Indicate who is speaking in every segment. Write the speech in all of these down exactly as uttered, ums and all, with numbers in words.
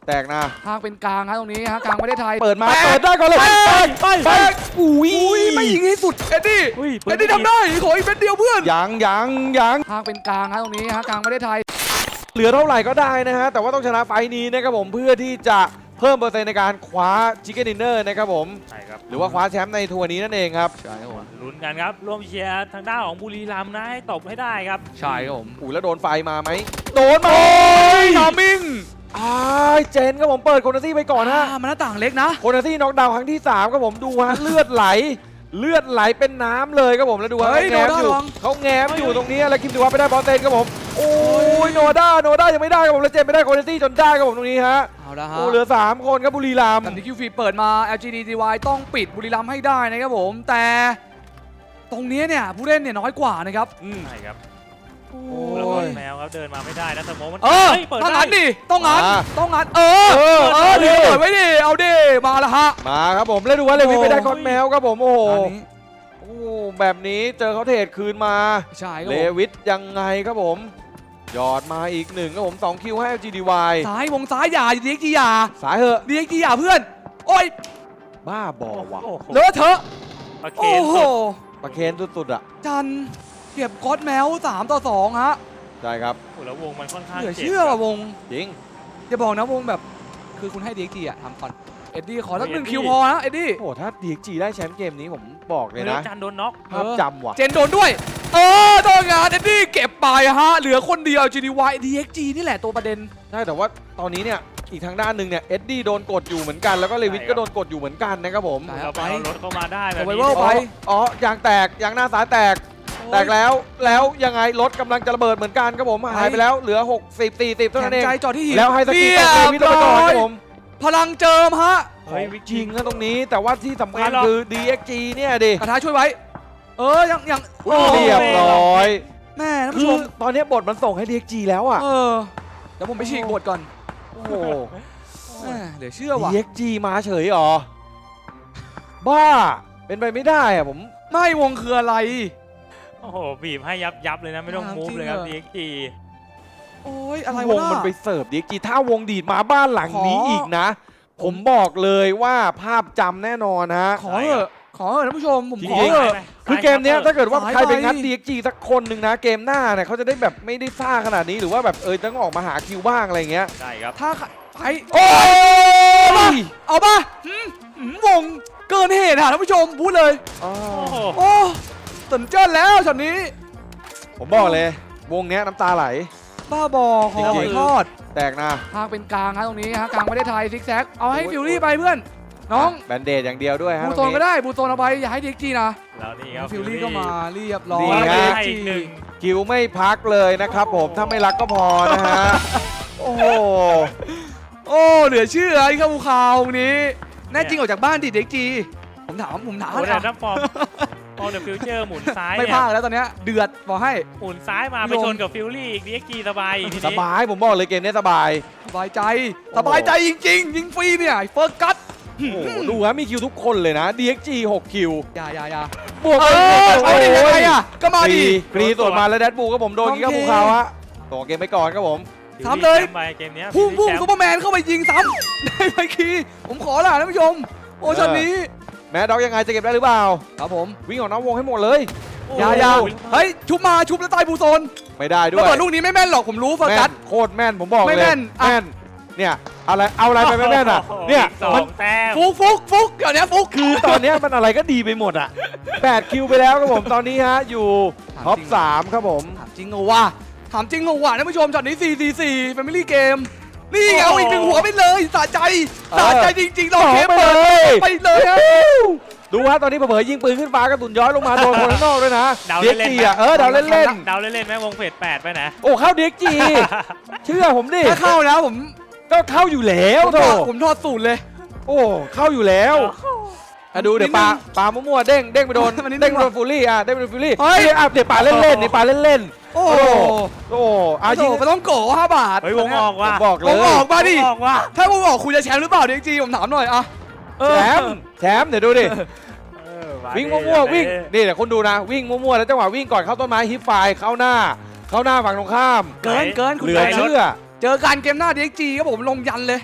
Speaker 1: แตกนะ
Speaker 2: ทางเป็นกลางฮะตรงนี้ฮะกลางไม่ได้ไทย
Speaker 1: เปิดมาเปิดได้ก่อนเลยไปไปไปอุ้ย
Speaker 2: ไม่ยิงให้สุดเอ็ดดี้เอ็ดดี้ทำได้ขออีกเม็ดเดียวเพื่อน
Speaker 1: ยังยังยัง
Speaker 2: ทางเป็นกลางฮะตรงนี้ฮะกลางไม่ได้ไทย
Speaker 1: เหลือเท่าไหร่ก็ได้นะฮะแต่ว่าต้องชนะไฟนี้นะครับผมเพื่อที่จะเพิ่มเปอร์เซ็นต์ในการคว้าชิคเก้นดินเนอร์นะครับผม
Speaker 3: ใช่ครับ
Speaker 1: หรือว่าคว้าแชมป์ในทัวร์นี้นั่นเองครับ
Speaker 2: ใช่ครับผม
Speaker 3: ลุ้นกันครับร่วมเชียร์ทางด้านของบุรีรัมย์นะให้ตบให้ได้ครับ
Speaker 2: ใช่ครับผม
Speaker 1: อุ้ยแล้วโดนไฟมาไหมโดนมา
Speaker 2: ทามิง
Speaker 1: อ้ายเจนครับผมเปิดโคนาซี่ไปก่อนฮะ
Speaker 2: มันหน้าต่างเล็กนะ
Speaker 1: โคนาซี่น็อกดาวน์ครั้งที่สามครับผมดูฮะเลือดไหลเลือดไหลเป็นน้ำเลยครับผมแล้วดูฮะแง้มอยู่เขาแง้มอยู่ตรงนี้แล้วคิมดูว่าไปได้บอลเตนครับผมโอ้ยโนด้าโนด้ายังไม่ได้ครับผมแล้วเจนไม่ได้โคนาซี่จนได้ครับผมตรงนี้ฮะ
Speaker 2: เอาละฮะ
Speaker 1: โอ้เหลือสามคนครับบุรีรัมย์
Speaker 2: แต่ที่คิวฟีเปิดมา แอล จี ดี ที วาย ต้องปิดบุรีรัมย์ให้ได้นะครับผมแต่ตรงนี้เนี่ยผู้เล่นเนี่ยน้อยกว่านะครับ
Speaker 3: ใช่ครับ
Speaker 2: โอ้
Speaker 3: แล้วก็
Speaker 2: ย
Speaker 3: แมวครับเดินมาไม่ได้นะสมองมัน
Speaker 2: เออต้องงัดดิต้องงัดต้องงัดเออเออเออดิเปิดไว้ดิเอาดิมาละฮะ
Speaker 1: มาครับผมแล้วดูว่าเลวิไปได้คอนแมวครับผมโอ้โหโอ้แบบนี้เจอเขาเทรดคืนมา
Speaker 2: ใช่
Speaker 1: เลวิสยังไงครับผมยอดมาอีกหนึ่งครับผมสองคิวให้ แอล จี ดี วาย
Speaker 2: ซ้ายวงซ้ายอย่าดีเอ็กจีอย่า
Speaker 1: สายเหอะ
Speaker 2: ดีเอ็กจีอย่าเพื่อนโอ้ย
Speaker 1: บ้าบอว่ะ
Speaker 2: เลอะเทอะ
Speaker 3: โอ้โห
Speaker 1: ประเคนสุดๆอ่ะ
Speaker 2: จันเก็บก๊อตแมวสามต่อสองฮะ
Speaker 1: ใช่ครับ
Speaker 3: แล้ววงมันค่อนข้าง
Speaker 2: เหลือเชื่อว่ะวง
Speaker 1: จริง
Speaker 2: จะบอกนะวงแบบคือคุณให้ดีเอ็กจีอะทำก่อนเอ็ดดี้ขอสักหนึ่งคิวพอนะเอ็ดดี้
Speaker 1: โอ้ถ้า ดี เอ็ก จี ได้แชมป์เกมนี้ผมบอกเลยนะ
Speaker 3: จันโดนน็อก
Speaker 1: ภาพจำว่ะ
Speaker 2: เจนโดนด้วยเออโดนงานเอ็ดดี้เก็บไปฮะเหลือคนเดียว จี ดี วาย ดี เอ็ก จี นี่แหละตัวประเด็น
Speaker 1: ใช่แต่ว่าตอนนี้เนี่ยอีกทางด้านหนึ่งเนี่ยเอ็ดดี้โดนกดอยู่เหมือนกันแล้วก็เลวิสก็โดนกดอยู่เหมือนกันนะครับผม
Speaker 3: เราไปเอารถเข้ามาได้แบบ
Speaker 2: นี้ไป
Speaker 1: อ๋อยางแตกยางหน้าซ้ายแตกแตกแล้วแล้วยังไงรถกำลังจะระเบิดเหมือนกันครับผมหายไปแล้วเหลือหกสิบ สี่สิบเท่านั้นเอง
Speaker 2: ใจจอดที่หิน
Speaker 1: แล้วให้สกีตเลวิสไปก่อนครับผม
Speaker 2: พลังเจิมฮะ
Speaker 1: เฮ้ยจริงนะตรงนี้แต่ว่าที่สำคัญคือ ดี เอ็ก จี เนี่ยดิ
Speaker 2: กระทะช่วยไว้เออยังยัง
Speaker 1: เรียบร้อย
Speaker 2: แม่ท่าน
Speaker 1: ผู้
Speaker 2: ช
Speaker 1: มตอนนี้บทมันส่งให้ ดี เอ็ก จี แล้วอ่ะ
Speaker 2: เออเดี๋ยวผมไปฉีกบทก่อน
Speaker 1: โอ้โห
Speaker 2: เดี๋ยวเชื่อว่ะ
Speaker 1: ดี เอ็ก จี มาเฉยหรอบ้าเป็นไปไม่ได้อะผม
Speaker 2: ไม่วงคืออะไร
Speaker 3: โอ้โหบีบให้ยับยับเลยนะไม่ต้องมูฟเลยครับ ดี เอ็ก จี
Speaker 2: โอ้ยอะไร
Speaker 1: วงมันไปเสิร์ฟ ดี เอ็ก จี ถ้าวงดีดมาบ้านหลังนี้อีกนะผมบอกเลยว่าภาพจำแน่นอนฮะ
Speaker 2: ขอเถอะขอเถอะท่านผู้ชมผมขอเถอะ
Speaker 1: คือเกมนี้ถ้าเกิดว่าใครไปงัด ดี เอ็ก จี สักคนหนึ่งนะเกมหน้าเนี่ยเขาจะได้แบบไม่ได้ซ่าขนาดนี้หรือว่าแบบเออต้องออกมาหาคิวบ้างอะไรเงี้ย
Speaker 3: ใช่ครับ
Speaker 2: ถ้าไปโอ้ยเอาป่ะวงเกินเหตุค่ะท่านผู้ชมพูดเลย
Speaker 3: โอ้
Speaker 2: โอ้ตื่นเต้นแล้วช็อตนี้
Speaker 1: ผมบอกเลยวงเนี้ยน้ำตาไหล
Speaker 2: บ้าบอขอทอด
Speaker 1: แตกนะ
Speaker 2: ทางเป็นกลางฮะตรงนี้ฮะกลางไม่ได้ไทยซิกแซกเอาให้ฟิวรี่ไปเพื่อนน้อง
Speaker 1: แบนเดดอย่างเดียวด้วยฮะ
Speaker 2: บูโซนก็ได้บูโซนเอาไปอย่าให้ดีเอ็กจีนะ
Speaker 3: แล้วนี่ครับ
Speaker 2: ฟิวรี่ก็มาเรียบร้อย
Speaker 1: ดีเอ็กจีคิวไม่พักเลยนะครับผมถ้าไม่รักก็พอนะฮะโอ้โห
Speaker 2: โอ้เหลือเชื่อไอ้ข้าวข่าวนี้แน่จริงออกจากบ้านดิดีเอ็กจีผมถามผมถาม
Speaker 3: นะถ้าฟอร์มพอเดอะฟิวเจอร์หมุนซ้าย
Speaker 2: ไม่พลาดแล้วตอนนี้เดือดบอกให้
Speaker 3: หมุนซ้ายมาไปชนกับฟิวรี่อีก ดี เอ็ก จี สบายทีนี้
Speaker 1: สบายผมบอกเลยเกมนี้สบาย
Speaker 2: สบายใจสบายใจจริงๆยิงฟรีเนี่ยเฟิร์สกัต
Speaker 1: ดูฮะมีคิวทุกคนเลยนะ ดี เอ็ก จี หกคิว
Speaker 2: อย่าอย่าอย่า
Speaker 1: บวกเลย
Speaker 2: เอาดิยังไงอ่ะก็มาดิ
Speaker 1: ฟรีส่วนมาแล้วแดดบูก็ผมโดนกินข้าวภูเขาฮะต่อเกมไปก่อนครับผม
Speaker 2: ทำเลย
Speaker 3: เกมนี้
Speaker 2: พุ่งพุ่งซูเปอร์แมนเข้าไปยิงซ้ำได้ไหมคีผมขอละท่านผู้ชมโอ้ช็อตนี้
Speaker 1: แม่ด็อกยังไงจะเก็บได้หรือเปล่า
Speaker 2: ครับผม
Speaker 1: วิ่งออกนอกวงให้หมดเลย
Speaker 2: อย่าอย่าเฮ้ยชุบมาชุบแล้วตายบูโซน
Speaker 1: ไม่ได้ด้วย
Speaker 2: ระเบิดลูกนี้ไม่แม่นหรอกผมรู้โฟกัส
Speaker 1: โคตรแม่นผมบอกเลย
Speaker 2: ไม่แม่น
Speaker 1: แม่นเนี่ยอะไรเอาอะไรไปไม่แม่นอ่ะเนี่ย
Speaker 3: มัน
Speaker 2: ฟุกฟุกฟุกเดี๋ยวนี้ฟุก
Speaker 1: คือตอนนี้มันอะไรก็ดีไปหมดอ่ะแปดคิวไปแล้วครับผมตอนนี้ฮะอยู่ท็อปสามครับผม
Speaker 2: ถามจริงเหรอวะถามจริงเหรอวะท่านผู้ชมช็อตนี้สี่ สี่ สี่ Family Gameนี่เอาอีกหนึ่งหัวไปเลยสะใจสะใจจริงๆเราเทปเลยไปเลยฮะ
Speaker 1: ดูว่าตอนนี้เผยยิงปืนขึ้นฟ้ากระสุนย้อยลงมาโดนคนข้างนอกด้วยนะ
Speaker 3: เด็กจี
Speaker 1: อ่ะเออดาวเล่นเล่น
Speaker 3: ดาวเล่นเล่นแม่วงเฟสแปดไปนะ
Speaker 1: โอ้เข้าเด็กจีเชื่อผมดิ
Speaker 2: ถ้าเข้าแล้วผม
Speaker 1: ก็เข้าอยู่แล้วโถ
Speaker 2: ผมทอดสูตรเลย
Speaker 1: โอ้เข้าอยู่แล้วดูเดี๋ยวปลาปลามั่วๆเด้งเด้งไปโดนเด้งไปโดนฟูลี่อ่ะเด้งไปโดนฟูลี่เฮ้ยอ่ะเดี๋ยวปลาเล่นเล่นนี่ปลาเล่นเล่น
Speaker 2: โอ้
Speaker 1: โอ้อายิง
Speaker 2: ไปต้องโกะห้าบาท
Speaker 3: เฮ้ยวงออกว่ะ
Speaker 1: บอกเลยว
Speaker 2: งออกมาดิถ้าวงออกคุณจะแชมป์หรือเปล่าเด็กจีผมถามหน่อยอ่ะ
Speaker 1: แชมป์แชมป์เดี๋ยวดูดิวิ่งมั่วๆวิ่งนี่เดี๋ยวคุณดูนะวิ่งมั่วๆแล้วจังหวะวิ่งก่อนเข้าต้นไม้ฮิปไฟเข้าหน้าเข้าหน้าฝั่งตรงข้าม
Speaker 2: เกินเกิน
Speaker 1: เหลือเชื่อ
Speaker 2: เจอการเกมหน้า ดี เอ็ก จี ครับผมลงยันเลย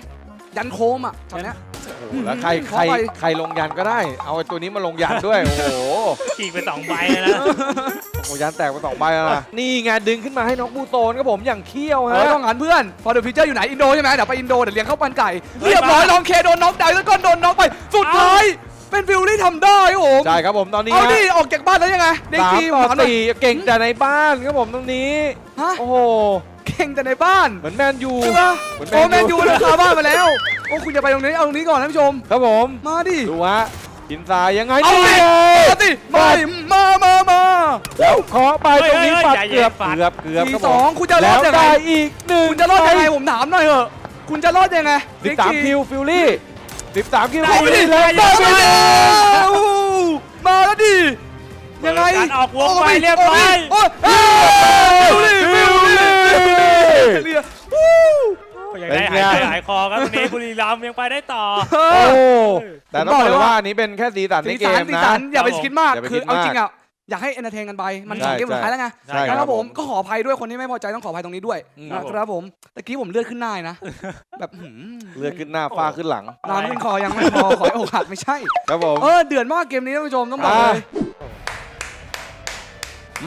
Speaker 2: ยันโคมอ่ะตอนเนี้ย
Speaker 1: โอ้โหแล้วใครใครใครลงยันก็ได้ เอาไอ้ตัวนี้มาลงยันด้วย โอ้โห
Speaker 3: ฉีกไปสองใบเลยนะ
Speaker 1: โอ้ยันแตกไปสองใบแล้วนะนี่ไงดึงขึ้นมาให้น้องบูโตนครับผมอย่างเขี้ยว
Speaker 2: เอ
Speaker 1: ฮะ
Speaker 2: อต้องหันเพื่อนฟอร์เดอร์ฟิเจอร์อยู่ไหนอินโดใช่ไหมเดี๋ยวไปอินโดเดี๋ยวเลี้ยงข้าวมันไก่เรียบร้อยลองเคโดนน็อกดาวน์แล้วก็โดนน็อกไปสุดท้ายเป็นฟิลลี่ทำได้ครับผม
Speaker 1: ใช่ครับผมตอนนี้
Speaker 2: เอา
Speaker 1: ฮะ
Speaker 2: ดิออกจากบ้านแล้วยังไงเด็ก
Speaker 1: สาม
Speaker 2: ทีม
Speaker 1: ต่อ
Speaker 2: ถามหน่อย
Speaker 1: สี่เก่งแต่ในบ้านครับผมตรงนี้
Speaker 2: ฮะ
Speaker 1: โอ้โห
Speaker 2: เก่งแต่ในบ้าน
Speaker 1: เหมือนแมนยู
Speaker 2: ใช่ปะ
Speaker 1: เหมือน
Speaker 2: โอ้แม
Speaker 1: แม
Speaker 2: น
Speaker 1: น
Speaker 2: ยู
Speaker 1: ยู
Speaker 2: เลยคาบ้านมาแล้วโอ้คุณจะไปตรงนี้เอาตรงนี้ก่อนท่านผู้ชม
Speaker 1: ครับผม
Speaker 2: มาดิ
Speaker 1: ดูฮะกินทรายยังไง
Speaker 2: เอาดิ
Speaker 1: นี่ไง
Speaker 2: มาดิมาดิมามามา
Speaker 1: แล้วเคาะไปตรงนี้
Speaker 3: เฮ้ย
Speaker 1: ปัด
Speaker 3: ใจเย็น
Speaker 1: เกือบ
Speaker 3: ปัด
Speaker 1: เกือบเกือบ
Speaker 2: สี่
Speaker 1: ครับ
Speaker 2: ส
Speaker 1: ผ
Speaker 2: อง
Speaker 1: ม
Speaker 2: คุณจะร
Speaker 1: แล้
Speaker 2: อ
Speaker 1: ว
Speaker 2: ดยังไง
Speaker 1: ได้อีกหนึ่ง
Speaker 2: คุณจะรอดยังไงผมถามหน่อยเถอะคุณจะรอดยังไง
Speaker 1: สิบสามคิวฟิลลี่สิบสามคิว
Speaker 2: เข้าไปดิ
Speaker 1: แล้ว
Speaker 2: ได้
Speaker 1: ได้
Speaker 2: ไป
Speaker 1: ไป
Speaker 2: แล้วมาแล้วดิยังไง
Speaker 3: การออกวงไปเรียบร้อย
Speaker 2: โอ้ยเอ้ยฟิลลี่ฟิลลี่ฟิลลี่วู้
Speaker 3: ยังได้หายใจหายคอครับตรงนี้บุรีรัมย์ยังไปได้ต่อ
Speaker 1: โอ้แต่ต้องบอกเลยว่าอันนี้เป็นแค่สีสันใน
Speaker 2: สี
Speaker 1: เก
Speaker 2: สัน
Speaker 1: ม
Speaker 2: สี
Speaker 1: นะ
Speaker 2: สันอย่าไปคิดมาก
Speaker 1: อย่าไป
Speaker 2: คือ
Speaker 1: คิด
Speaker 2: เอา
Speaker 1: มาก
Speaker 2: จริงอ่ะอยากให้เอนเตอร์เทนกันไปมันสอง
Speaker 1: ใช่
Speaker 2: เกมสุดท้ายแล้วไง
Speaker 1: ใช่
Speaker 2: นะครับผมก็ขออภัยด้วยคนที่ไม่พอใจต้องขออภัยตรงนี้ด้วย
Speaker 1: อืม
Speaker 2: นะครับผมตะกี้ผมเลือดขึ้นหน้านะแบบหืม
Speaker 1: เลือดขึ้นหน้าฟ้าขึ้นหลัง
Speaker 2: น้ำขึ้นคอยังไม่พอขอให้อกหักไม่ใช่
Speaker 1: ครับผม
Speaker 2: เออเดือดมากเกมนี้ท่านผู้ชมต้องบอกเลย มา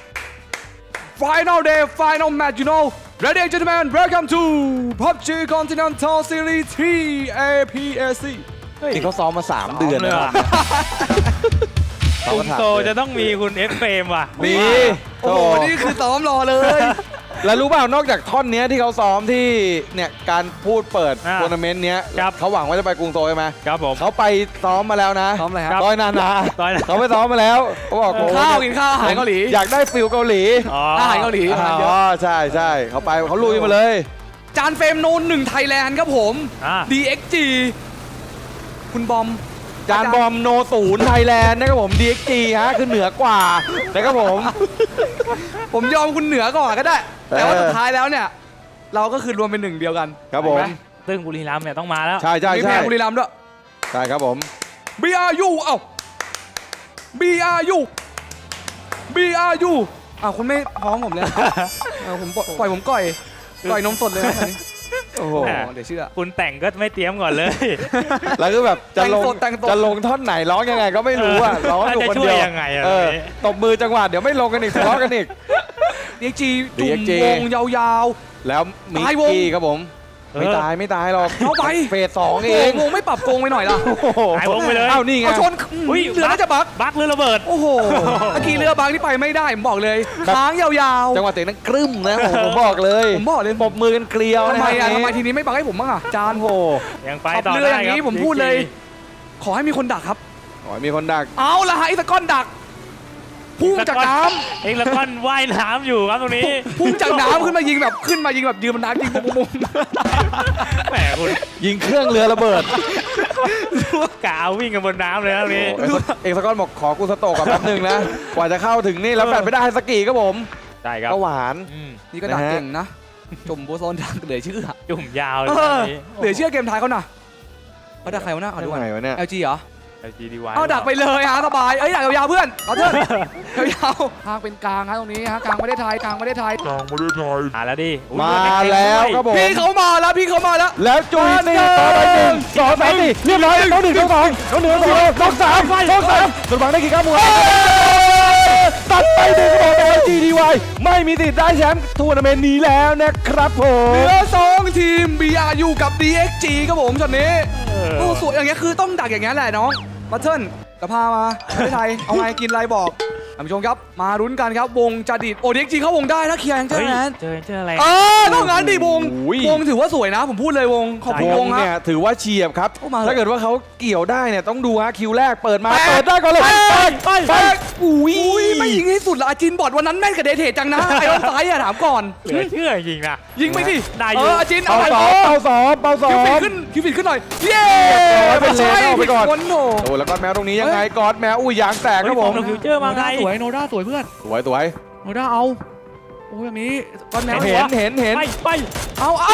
Speaker 2: Final day Final match you know Ladies and gentlemen welcome to พับจี Continental Series ทรี เอ พี เอ ซี
Speaker 1: นี่เขาซ้อมมาสามเดือน
Speaker 3: เลย
Speaker 1: นะ
Speaker 3: ว่ะ
Speaker 1: ซ้อม
Speaker 3: คุ
Speaker 1: มา
Speaker 3: ณ
Speaker 1: สาม
Speaker 3: โต
Speaker 1: เดื
Speaker 3: จะ
Speaker 1: อน
Speaker 3: ต้องมีคุณเอฟเฟมว่ะ
Speaker 1: มี
Speaker 2: โอ้โห นี่คือซ้อมรอเลย
Speaker 1: แล้วรู้เปล่านอกจากท่อนเนี้ยที่เขาซ้อมที่เนี่ยการพูดเปิด
Speaker 3: อ่า
Speaker 1: ทัวร์นาเมนต์เนี้ย
Speaker 3: ครับ
Speaker 1: เขาหวังว่าจะไปกรุงโซลใช่ไหม
Speaker 3: ครับผม
Speaker 1: เขาไปซ้อมมาแล้วนะ
Speaker 2: ซ้อมอะไรครับ
Speaker 1: ต้อยนานา
Speaker 3: ต้อยนา
Speaker 1: เขาไปซ้อมมาแล้วเขาบอก
Speaker 2: กิน
Speaker 1: โอ้
Speaker 2: ข้าว
Speaker 1: โห
Speaker 2: กินข้าวอาหารเกาหลี
Speaker 1: อยากได้ฟิลเกาหลี
Speaker 3: อ๋อ
Speaker 2: อาหารเกาหลีอาหารเย
Speaker 1: อ๋อ
Speaker 2: อะ
Speaker 1: ใช่ใช่เขาไปเขาลุยมาเลย
Speaker 2: จานเฟรมโนนหนึ่งไทยแลนด์ครับผม
Speaker 3: อ่า
Speaker 2: ดี เอ็กซ์ จี คุณบอม
Speaker 1: จานบอมโนศูนย์ไทยแลนด์นะครับผม ดี เอ็กซ์ จี ฮะคือเหนือกว่านะครับผม
Speaker 2: ผมยอมคุณเหนือก่อนก็ได้ แต่ว่า
Speaker 1: เออ
Speaker 2: สุดท้ายแล้วเนี่ย เราก็คือรวมเป็นหนึ่งเดียวกัน
Speaker 1: ครับผม
Speaker 2: เห็นไห
Speaker 3: ซึ่งบุรีรัมย์เนี่ยต้องมาแล้ว
Speaker 1: ใช่ใช่
Speaker 2: มี
Speaker 1: ใช่
Speaker 2: แพ้บุรีรัมย์ด้วย
Speaker 1: ใช่ครับผม
Speaker 2: บี อาร์ ยู เอ้า บี อาร์ ยู บี อาร์ ยู อ้าวคุณไม่พ้องผมเลยเออผมปล่อยปล่อยผมก่อยก่อยนมสดเลยนะตอนนี้
Speaker 1: โอ้โห
Speaker 2: โอ้เดี๋ยวเชื่อ
Speaker 3: คุณแต่งก็ไม่เตรียมก่อนเลย
Speaker 1: แล้วก็แบบจะลง
Speaker 2: แต่งสดแต่งสด
Speaker 1: จะลงท่อนไหนร้องยังไงก็ไม่รู้อ่ะร้องอยู่คนเดียว
Speaker 3: จะช่วยยังไงอะ
Speaker 1: เออ
Speaker 3: แบบนี้
Speaker 1: ตบมือจังหวะเดี๋ยวไม่ลงกันอีกทะเลาะกันอีก
Speaker 2: ดี เอ็กซ์ จี จุ่
Speaker 1: ดี
Speaker 2: ม
Speaker 1: เอ็กซ์จี
Speaker 2: วงยาว
Speaker 1: แล้วมี
Speaker 2: ตายวง
Speaker 1: กี้ครับผม
Speaker 3: เออ
Speaker 1: ไม่ตายไม่ตายหรอก
Speaker 2: เอาไป
Speaker 1: เฟสสอง
Speaker 2: ๆ
Speaker 1: เอง
Speaker 2: วงไม่ปรับโกงไปหน่อยล่ะ
Speaker 1: โอ้โห
Speaker 3: หายวงไปเลย
Speaker 1: เอ้านี่ไง
Speaker 2: เอาชน
Speaker 3: อุ้ย
Speaker 2: เรือน่าจะบัก
Speaker 3: บักหรือระเบิด
Speaker 2: โอ้โหเมื่อกี้เรือบางที่ไปไม่ได้ ผมบอกเลย
Speaker 1: ครับ
Speaker 2: ค้างยาว
Speaker 1: จังหวะเตะนั้นกรึ้มนะผมผมบอกเลย
Speaker 2: ๆ ผมบอกเลย
Speaker 1: ปรบมือกันเกลียว
Speaker 2: ทำ
Speaker 1: นะ
Speaker 2: ไมอ่ะ
Speaker 1: ค
Speaker 2: ทำ
Speaker 1: รับ
Speaker 2: ไมทีนี้ไม่บักให้ผมบ้างอ่ะ จาน
Speaker 1: โอ้โห
Speaker 3: ยังไป
Speaker 2: ขับ
Speaker 3: ต่อ
Speaker 2: เรือ
Speaker 3: ได้
Speaker 2: อย่าง
Speaker 3: ครับ
Speaker 2: นี้ผมพูดเลย ขอให้มีคนดักครับ
Speaker 1: ขอให้มีคนดัก
Speaker 2: เอาละฮะไอ้ตะก้อนดัก พุ่งจากน้ำ
Speaker 3: เอ็กซ์แล้วก็ว่ายน้ำอยู่ครับตรงนี้
Speaker 2: พุ่งจากน้ำขึ้นมายิงแบบขึ้นมายิงแบบยืนบนน้ำยิงปุ้งปุ้ง
Speaker 3: แหมคุณ
Speaker 1: ยิงเครื่องเรือระเบิด
Speaker 3: กาววิ่งกันบนน้ำเลยครับตรงนี้
Speaker 1: โอ้เอกเอกสกอตบอกขอกูสโตกกับแป๊บนึงนะ กว่าจะเข้าถึงนี่แล้วแฟนไม่ได้สกีครับผม
Speaker 3: ใช่ครับ
Speaker 1: ก็หวาน
Speaker 3: อืม
Speaker 2: นี่ก็ดัก
Speaker 1: นะฮะ
Speaker 2: เก่งนะ จมโบโซนดักเหลือเชื่อ
Speaker 3: จุ่มยาวเล
Speaker 2: เอย อ
Speaker 3: ตรงนี้
Speaker 2: เหลือเชื่อเกมไทยเขาน่ะเขาดักใครวะน่ะเอาดู
Speaker 1: ยังไงวะเนี่ย
Speaker 2: แอลจีเหรอ
Speaker 3: ไอจีดีวาย
Speaker 2: เอาดักไปเลยฮะสบาย เอ้ยดักยาวๆเพื่อนเอาเถอะยาวๆทางเป็นกลางฮะตรงนี้ฮะกลางประเทศไทยกลางประเทศไทย
Speaker 3: มาแล้วดิอุ๊ย
Speaker 1: มาแล้วครับผม
Speaker 2: พี่เขามาแล้วพี่เขามาแล้ว
Speaker 1: แล้วจุยนี่ต่อไปหนึ่งสองสามสี่เรียบร้อยน้องหนึ่งน้องสองน้องหนึ่งน้องสองน้องสามน้องสามโดนบังได้กี่ก้าวมวยตัดไปหนึ่งต่อโดย จี ดี วาย ไม่มีสิทธิ์ได้แชมป์ทัวร์นาเมนต์นี้แล้วนะครับผ
Speaker 2: เห
Speaker 1: ม
Speaker 2: ลือสองทีม บี อาร์ ยู กับ ดี เอ็กซ์ จี ครับผมช็อตนี้
Speaker 3: เออ
Speaker 2: โอ้สวยอย่างเงี้ยคือต้องดักอย่างเงี้ยแหละน้องบัตเทิลจะพามาประเทศไทย เอาไงกินอะไรบอกท่านผู้ชมครับ มารุ้นกันครับ วงจะดีดโอ ดี เอ็กซ์ จี เข้าวงได้ถ้าเคลียร์แองเจิล
Speaker 3: เฮ้ย
Speaker 2: แมน
Speaker 3: เจอเจออะไร
Speaker 2: เออต้องงั้นดิวง
Speaker 1: โอ้ย
Speaker 2: วงถือว่าสวยนะ ผมพูดเลยวง ขอบคุณ
Speaker 1: ว
Speaker 2: ว
Speaker 1: ง
Speaker 2: ง
Speaker 1: เนี่ย
Speaker 2: ฮะ
Speaker 1: ถือว่าเฉียบครับ
Speaker 2: โอ้มาเถอะ
Speaker 1: ถ้าเกิดว่าเขาเกี่ยวได้เนี่ยต้องดูฮะคิวแรกเปิดมา
Speaker 2: แปด
Speaker 1: เปิดได้ก่อนเลย
Speaker 2: แปด
Speaker 1: ไป
Speaker 2: แป
Speaker 1: ไป
Speaker 2: ดอุ้ยไม่ยิงให้สุดละอาจินบอดวันนั้นแม่นกับเดเทจังนะไอ้ต้นซ้ายอะถามก่อน
Speaker 3: เหลือเชื่อจริงนะ
Speaker 2: ยิงไปดิ
Speaker 3: ได้อยู่
Speaker 2: เอออาจิน
Speaker 1: เป่า
Speaker 2: เอาไป
Speaker 1: สองเป่าสองเป่าสอ
Speaker 2: คิว
Speaker 1: ง
Speaker 2: ฟิตขึ้นคิวฟิตขึ้นหน่อยเย้
Speaker 1: เรียบร้อยเป็นเลนเอาไปก่อน
Speaker 2: คนโห
Speaker 1: โอ้แล้วก็แมวตรงนี้ยังไงกอดแมวอุ้ยยางแตกครับผม
Speaker 3: เฮ้ยฟิวเจอร์มาไง
Speaker 2: สวยโนด้าสวยเพื่อน
Speaker 1: สวยสวย
Speaker 2: โนด้าเอาโอ้ยอย่างนี้ก้อนแมว
Speaker 1: เห็นเห็นเห็น
Speaker 3: ไปไป
Speaker 2: เอาเอา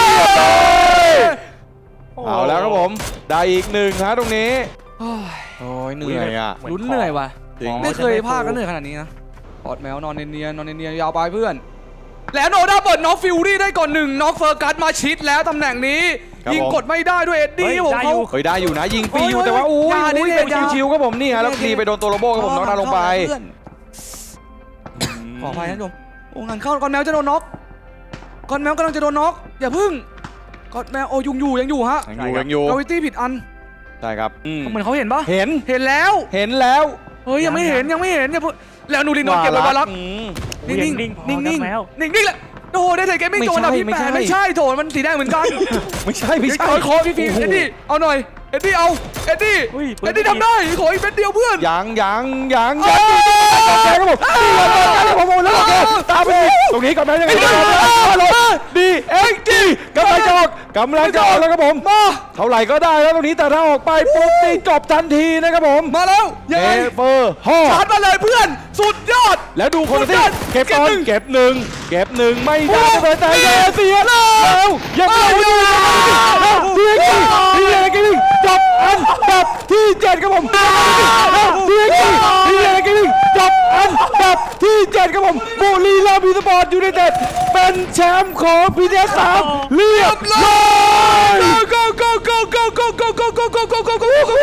Speaker 1: เอาแล้วครับผมได้อีกหนึ่งฮะตรงนี้
Speaker 2: โอ้ย
Speaker 1: โอ้ยเหนื่อยอ่ะ
Speaker 2: ลุ้นเหนื่อยว่ะ
Speaker 1: จริง
Speaker 2: ไม่เคยพลาดกันเหนื่อยขนาดนี้นะปอดแมวนอนเนียนๆนอนเนียนๆยาวไปเพื่อนแล้วโนด้าเปิดน็อกฟิวรี่ได้ก่อนหนึ่งน็อกเฟอร์กัสมาชิดแล้วตำแหน่งนี้ยิงกดไม่ได้ด้วยเอ็ดดี้ผมเขา
Speaker 1: เฮ้ยได้อยู่นะยิงฟรีอยู่
Speaker 2: โอ้ย
Speaker 1: แต่ว่าอุ้ย
Speaker 2: อย่าดิ
Speaker 1: อุ้ยเป็น
Speaker 2: อย่า
Speaker 1: ชิวๆครับผมนี่ฮะแล้วฟรีไปโดนตัวโรโบครับผมน้องนาลงไป
Speaker 2: ขออภัยนะทุกคนโอ้งานเข้าก่อนแมวจะโดนน็อกก่อนแมวกำลังจะโดนน็อกอย่าพึ่งก่อนแมวโอ้ยุงอยู่ยังอยู่ฮะ
Speaker 1: ยังอยู่ยังอยู่
Speaker 2: กาวิตี้ผิดอัน
Speaker 1: ใช่ครับอืม
Speaker 2: เหมือนเขาเห็นปะ
Speaker 1: เห็น
Speaker 2: เห็นแล้ว
Speaker 1: เห็นแล้ว
Speaker 2: เฮ้ยยังไม่เห็นยังไม่เห็นอย่าเพิ่งแล้วนูรินโดนเก็บไปบาลัก
Speaker 1: อืม
Speaker 2: นิ่งนิ่ง
Speaker 3: นิ่งๆพอ
Speaker 2: นิ่ง
Speaker 3: ครั
Speaker 2: นิ่
Speaker 3: บ
Speaker 2: ง
Speaker 3: แมว
Speaker 2: นิ่งนิ่งแหละโอ้โหได้เทรดเกมมิ่ง
Speaker 1: ไม่
Speaker 2: โจ
Speaker 1: ใช่
Speaker 2: นดับที่
Speaker 1: ไม่
Speaker 2: แป
Speaker 1: ใช่
Speaker 2: ดไม่ใช่โถมันสีแดงเหมือนกัน
Speaker 1: ไม่ใช่ไม่ใช่
Speaker 2: ขอขอพี่ฟิล์ม
Speaker 1: โอ้โห
Speaker 2: เอ็ดดี้เอาหน่อยเอ็ดดี้เอาเอ็ดดี้
Speaker 3: อุ้ยปืน
Speaker 2: เอ็ดดี้ทำได้ขออีกเป็นเดียวเพื่อน
Speaker 1: ยังยังยัง
Speaker 2: เอ้
Speaker 1: ยัง
Speaker 2: ย
Speaker 1: แกครับผมนี่ครับผมผมแล้วตามไปตรงนี้ก่อนไหมยังไงดีเอ็กดีกำลังจะออกกำลังจะออกแล้วครับผม
Speaker 2: มา
Speaker 1: เท่าไหร่ก็ได้แล้วตรงนี้แต่ถ้าออกไปปุ๊บนี่จบทันทีนะครับผม
Speaker 2: มาแล้วยังไง
Speaker 1: เอเฟอร์ฮอ
Speaker 2: ชาร์จมาเลยเพื่อนสุดยอด
Speaker 1: แล้วดูคนที่
Speaker 2: สุดยอด
Speaker 1: เก็บตอน
Speaker 2: เก็บหนึ่ง
Speaker 1: เก็บหนึ่งเก็บหนึ่งไม่ได้
Speaker 2: โอ้
Speaker 1: เลยแต่แย่เสียแล้วยังไม่ได้เดียกี้เดียกี้จบอันดับที่เจ็ดครับผมเดียกี้เดียกี้จบอันดับที่เจ็ดครับผมบุรีรัมย์ยูไนเต็ดยูไนเต็ดเป็นแชมป์ของพีเอสสามเรียบร้อย
Speaker 2: go go go go go go go go go go go go go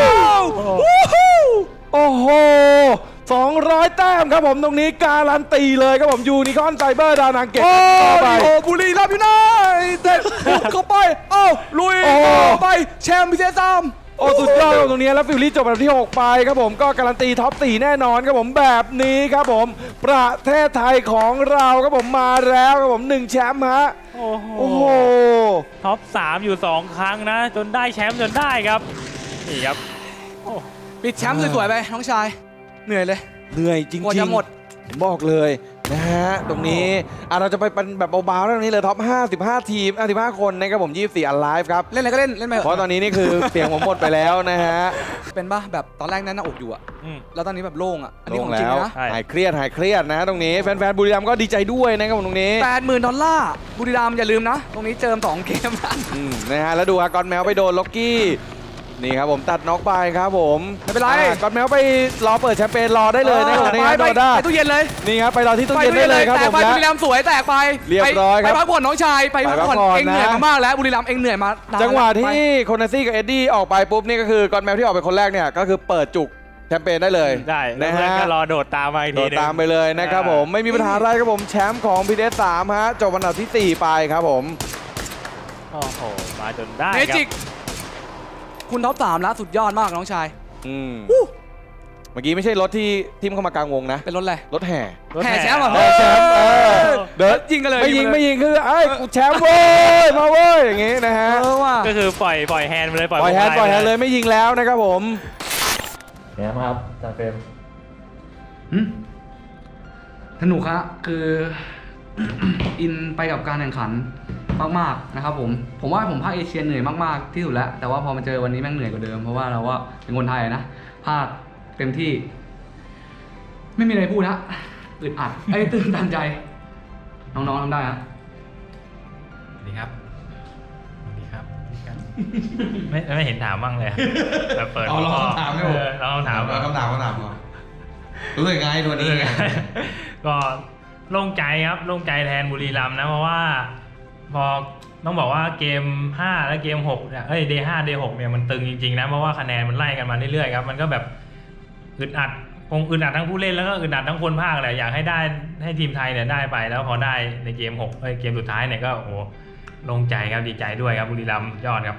Speaker 1: โอ้โหสองร้อยแต้มครับผมตรงนี้การันตีเลยครับผมยูนิคอนไซเบอร์ดานังเก็บ
Speaker 2: โอ้
Speaker 1: เข้าไป
Speaker 2: โหบุรีรัมย์ยูไนเต็ดบุกเข้าไปเอ้าลุย
Speaker 1: โอ้
Speaker 2: เข้าไปแชมป์พิเศษสาม
Speaker 1: โอ้สุดยอดครับตรงนี้แล้วฟิลลี่จบอันดับที่หกไปครับผมก็การันตีท็อปสี่แน่นอนครับผมแบบนี้ครับผมประเทศไทยของเราครับผมมาแล้วครับผมหนึ่งแชมป์ฮะ
Speaker 3: โอ้โห
Speaker 1: โอ้โห
Speaker 3: ท็อปสามอยู่สองครั้งนะ จนได้แชมป์จนได้ครับ นี่ครับโอ้
Speaker 2: ปิดแชมป์สวยๆไปน้องชายเหนื่อยเลย
Speaker 1: เหนื่อยจริง
Speaker 2: กว่าจะหมด
Speaker 1: ผมบอกเลยนะฮะตรงนี้อ่ะเราจะไปเป็นแบบเบาๆแล้วตรงนี้เลยท็อปห้าสิบห้าทีมห้าสิบห้าคนนะครับผมยี่สิบสี่อันไลฟ์ครับ
Speaker 2: เล่นอะไรก็เล่นเล่นไป
Speaker 1: เพราะตอนนี้นี่คือเสียงผมหมดไปแล้วนะฮะ
Speaker 2: เป็นป่ะแบบตอนแรกแน่นหน้าอกอยู่อะ
Speaker 3: อืม
Speaker 2: แล้วตอนนี้แบบโล่งอะอัน
Speaker 1: ล
Speaker 2: นี้
Speaker 1: ง
Speaker 2: ของจริง
Speaker 1: แล้ว
Speaker 2: นะ
Speaker 3: ใช่
Speaker 1: หายเครียดหายเครียดนะตรงนี้แฟนๆบุรีรัมย์ก็ดีใจด้วยนะครับผมตรงนี้
Speaker 2: แปดหมื่นดอลลาร์บุรีรัมย์อย่าลืมนะ ตรงนี้เจิมสองเกมนะ
Speaker 1: อืมนะฮะแล้วดูฮะกอนแมวไปโดนล็อกกี้นี่ครับผมตัดน็อกไปครับผม
Speaker 2: ไม่เป็นไร
Speaker 1: อ่ะกอนแมวไปรอเปิดแชมเปญรอได้เลยนะครับผมใน
Speaker 2: ไป
Speaker 1: งาน
Speaker 2: ไป
Speaker 1: โดด้า
Speaker 2: ไปตู้เย็นเลย
Speaker 1: นี่ครับไปรอที่ตู้เย็นได้เลยครับ
Speaker 2: แต
Speaker 1: ผ
Speaker 2: ก
Speaker 1: ม
Speaker 2: ไป
Speaker 1: และ
Speaker 2: บุรีรัมย์สวยแตกไป
Speaker 1: เรียบร้อยครับ
Speaker 2: ไปพักผ่อนน้องชายไปพักผ่อน
Speaker 1: ไปพักผ่อน
Speaker 2: เองเหนื่อย
Speaker 1: นะ
Speaker 2: มามากแล้วบุรีรัมย์เองเหนื่อยมานาน
Speaker 1: จังหวะ
Speaker 2: ไป
Speaker 1: ที่โคนาซี่กับเอ็ดดี้ออกไปปุ๊บนี่ก็คือกอนแมวที่ออกไปคนแรกเนี่ยก็คือเปิดจุกแชมเปญได้เลย
Speaker 3: ได้แล้ว
Speaker 1: นะ
Speaker 3: เพื่อน
Speaker 1: ฮะ
Speaker 3: ก็รอโดดตามมาอีก
Speaker 1: โด
Speaker 3: ที
Speaker 1: ด
Speaker 3: หนึง
Speaker 1: ตามไปเลยนะครับผมไม่มีปัญหาอะไรครับผมแชมป์ของพีเอสสามฮะจบอันดับที่สี่ไปครับผม
Speaker 3: โอ้โห มาจนได้
Speaker 2: เม
Speaker 3: ครั
Speaker 2: จิก
Speaker 3: บ
Speaker 2: คุณท็อปสามแล้วสุดยอดมากน้องชาย
Speaker 1: อืมเมื่อกี้ไม่ใช่รถที่ทิมเข้ามากลางวงนะ
Speaker 2: เป็นรถอะไร
Speaker 1: รถแห่
Speaker 3: รถ
Speaker 2: แห่แชมป์เหรอ
Speaker 1: แห่แชมป์เออเดิน
Speaker 2: ยิงกันเลย
Speaker 1: ไม่ยิง
Speaker 2: กันเล
Speaker 1: ไม่ยิงคือไอ้ยกูแชมป์เว้ยมาเว้ยอย่างงี้นะฮะ
Speaker 2: เออว่ะ
Speaker 3: ก็คือปล่อยปล่อยแฮนด์ไปเลยปล่อย
Speaker 1: ปล่อยแฮนด์
Speaker 3: วง
Speaker 1: ปล่อยแฮนด์
Speaker 3: ไป
Speaker 1: เลยไม่ยิงแล้วนะครับผม
Speaker 4: เนี่ยครับจาเฟรม
Speaker 2: หืมสนุกครับคือ อินไปกับการแข่งขันมากๆนะครับผมผมว่าผมภาคเอเชียเหนื่อยมากๆที่สุดแล้วแต่ว่าพอมาเจอวันนี้แม่งเหนื่อยกว่าเดิมเพราะว่าเราว่าเป็นคนไทยนะภาคเต็มที่ ไม่มีอะไรพูดนะอึดอัดไอ้ยตื่นตันใจ น้องๆทำได้ฮะ
Speaker 4: สวัสดีครับ สวัสดีครับ
Speaker 3: ไม่ไม่เห็นถามบ้างเลยแบบเปิด
Speaker 4: เอาลองคำถามไหมผม
Speaker 3: เออลองคำถาม
Speaker 4: คำถามคำถามก่อนรู้สึกไงตัวนี้ไง
Speaker 3: ก็โล่งใจครับโล่งใจแทนบุรีรัมย์นะเพราะว่า พอต้องบอกว่าเกมห้าและเกมหกเนี่ยเอ้ย เดย์ห้า เดย์หกเนี่ยมันตึงจริงๆนะเพราะว่าคะแนนมันไล่กันมาเรื่อยๆครับมันก็แบบอึดอัดคงอึดอัดทั้งผู้เล่นแล้วก็อึดอัดทั้งคนภาคแหละอยากให้ได้ให้ทีมไทยเนี่ยได้ไปแล้วพอได้ในเกมหกเอ้ยเกมสุดท้ายเนี่ยก็โอ้โหโล่งใจครับดีใจด้วยครับบุรีรัมย์ยอดครับ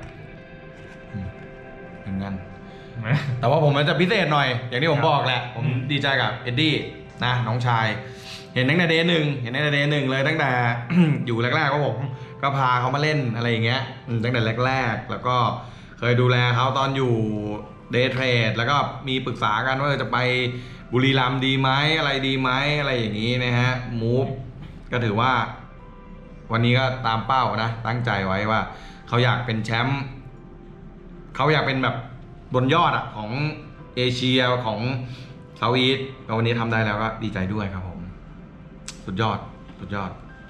Speaker 4: เหมือนกัน แต่ว่าผมมันจะพิเศษหน่อย อย่างที่ผมบอกแหละ ผมดีใจกับเอ็ดดี้นะน้องชาย เห็นตั้งแต่เดย์หนึ่งเห็นตั้งแต่เดย์หนึ่งเลยตั้งแต่ อยู่แรกๆก็ผมก็พาเขามาเล่นอะไรอย่างเงี้ยอืมตั้งแต่แรกๆ แล้วก็เคยดูแลเขาตอนอยู่เดย์เทรดแล้วก็มีปรึกษากันว่าจะไปบุรีรัมย์ดีไหมอะไรดีไหมอะไรอย่างนี้นะฮะมูฟก็ถือว่า วันนี้ก็ตามเป้านะตั้งใจไว้ว่าเขาอยากเป็นแชมป์เขาอยากเป็นแบบบนยอดอะของเอเชียของเซาท์อีสต์ก็วันนี้ทำได้แล้วก็ดีใจด้วยครับผมสุดยอดสุดยอด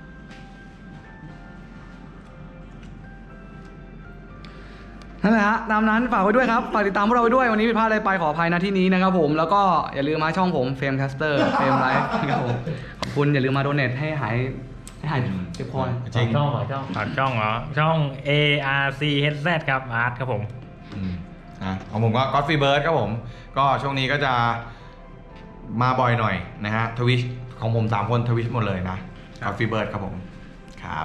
Speaker 2: นั่นแหละฮะตามนั้นฝากไว้ด้วยครับฝากติดตามพวกเราไว้ด้วยวันนี้ผิดพลาดอะไรไปขออภัยนะที่นี้นะครับผมแล้วก็อย่าลืมมาช่องผมเฟรมแคสเตอร์เฟรมไลฟ์นะครับผมขอบคุณอย่าลืมมาโดเนทให้หายไม่หายเจ็บคอเลย
Speaker 4: จริง
Speaker 3: ช่องเหรอช่องช่องเหรอช่อง A R C H Z ครับอาร์ตครับผม
Speaker 4: อืมอ่ะของผมก็ Godfrey Bird ครับผม ก็ช่วงนี้ก็จะมาบ่อยหน่อยนะฮะทวิชของผมสามคนทวิชหมดเลยนะ Godfrey Bird ครับผมครับ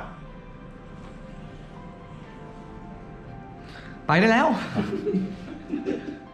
Speaker 2: ไปได้แล้ว